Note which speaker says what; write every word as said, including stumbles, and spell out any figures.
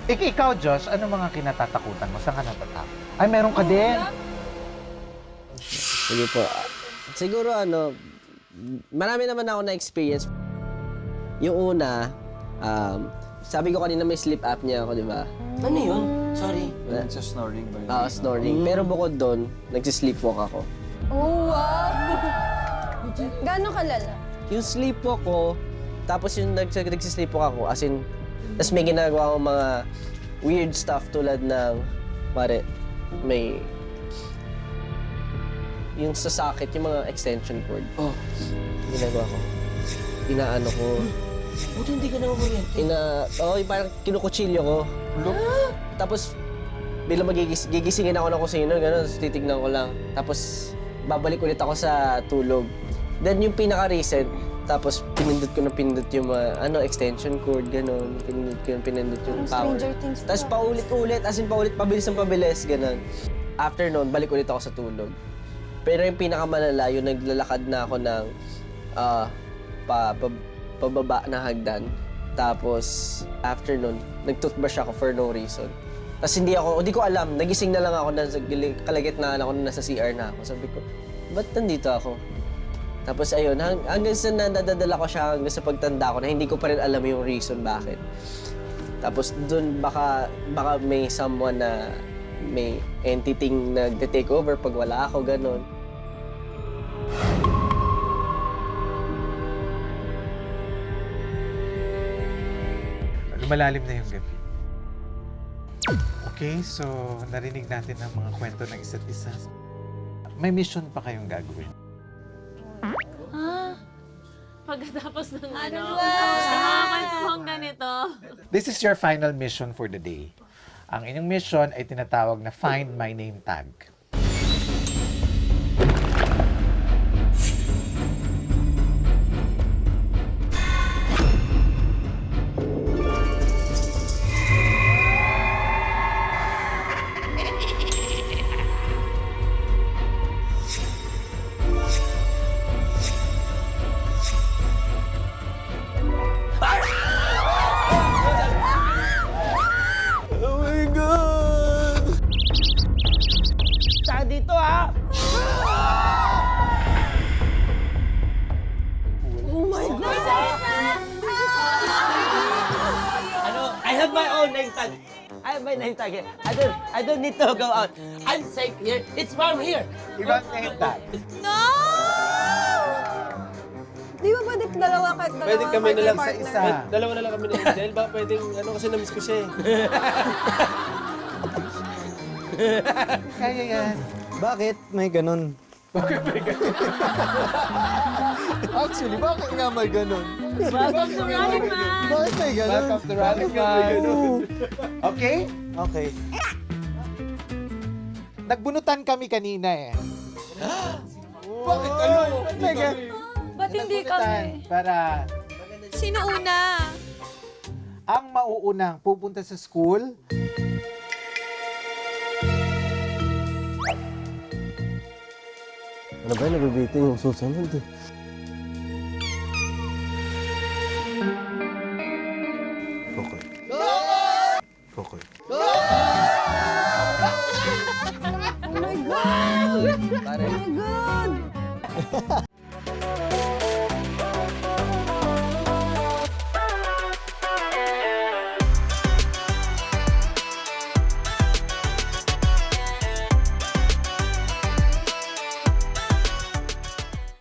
Speaker 1: Ik ikaw, Josh, ano mga kinatatakutan mo? Saan ka natatakot? Ay, meron ka din.
Speaker 2: Sige po. Siguro ano, marami naman ako na-experience. Yung una, um, sabi ko kanina may sleep apnea ako, di ba?
Speaker 3: Ano yun? Sorry.
Speaker 4: Sa snoring ba yun?
Speaker 2: Oo, snoring. Pero bukod doon, nagsisleepwalk ako.
Speaker 5: Oh, wow! Gano'ng kalala?
Speaker 2: Yung sleepwalk ko, tapos yung nags nagsisleepwalk ako, as in, tapos may ginagawa akong mga weird stuff tulad ng, pare, may, yung sa socket, yung mga extension cord.
Speaker 3: Oh.
Speaker 2: Ginagawa ko. Inaano ko.
Speaker 3: Buti hindi ka na umuriyente.
Speaker 2: Ina, oh, yung parang kinukutsilyo ko. Tapos, bilang magigis, gigisingin ako ng kusino, gano'n, tapos titignan ko lang. Tapos, babalik ulit ako sa tulog. Then, yung pinaka-recent, tapos pinindot ko na pinindot yung mga, ano, extension cord, gano'n. Pinindot ko na pinindot yung
Speaker 5: Parang
Speaker 2: power.
Speaker 5: Stranger Things to,
Speaker 2: Tapos
Speaker 5: ah.
Speaker 2: paulit-ulit, as in paulit, pabilis ng pabilis, gano'n. After noon, balik ulit ako sa tulog. Pero yung pinakamalala, yung naglalakad na ako ng ah, pa, pa, pababa na hagdan. Tapos, after nun, nag-toothbrush ako for no reason. Tapos hindi ako, hindi ko alam, nagising na lang ako, nasa kalagitnaan ako, nasa C R na ako. Sabi ko, ba't nandito ako? Tapos ayun, hang, hanggang sa nadadala ko siya, hanggang sa pagtanda ko, na hindi ko pa rin alam yung reason bakit. Tapos dun baka, baka may someone na may entity nag-take over pag wala ako, ganun.
Speaker 1: Malalim na yung gabi. Okay, so narinig natin ang mga kwento ng isa't isa. May mission pa kayong gagawin.
Speaker 6: Pagkatapos ng ano,
Speaker 5: ba?
Speaker 6: sa mga kwentuhang ganito.
Speaker 1: This is your final mission for the day. Ang inyong mission ay tinatawag na Find My Name Tag.
Speaker 2: Oh my God! Saan dito, ha?
Speaker 5: Oh my God!
Speaker 3: Ano? I have my own name tag. I have my name tag here. I don't, I don't need to go out. I'm safe here. It's warm here.
Speaker 1: Ibang name tag.
Speaker 5: Di ba pwede dalawa kahit dalawa?
Speaker 4: Pwede kami na lang sa
Speaker 5: partner?
Speaker 1: isa.
Speaker 4: Pwede- Dalawa na lang kami na dahil ba pwedeng ano kasi na-miss ko siya eh.
Speaker 1: Kaya yan.
Speaker 7: Bakit may ganun? Actually, bakit nga may ganun?
Speaker 6: Welcome to Running Man!
Speaker 7: Bakit may ganun?
Speaker 1: Welcome to Running Man. Okay?
Speaker 7: Okay.
Speaker 1: Nagbunutan kami kanina eh.
Speaker 4: Bakit ano?
Speaker 1: Ba't may gan-
Speaker 5: Ba't hindi
Speaker 1: Nagbunutan
Speaker 5: kami?
Speaker 1: para
Speaker 5: Sino una?
Speaker 1: ang mauunang pupunta sa school
Speaker 2: Ano ba, nabibitin yung susunod eh.
Speaker 7: Okay. Okay.
Speaker 5: Oh my God!
Speaker 2: Pare,
Speaker 5: Oh my God!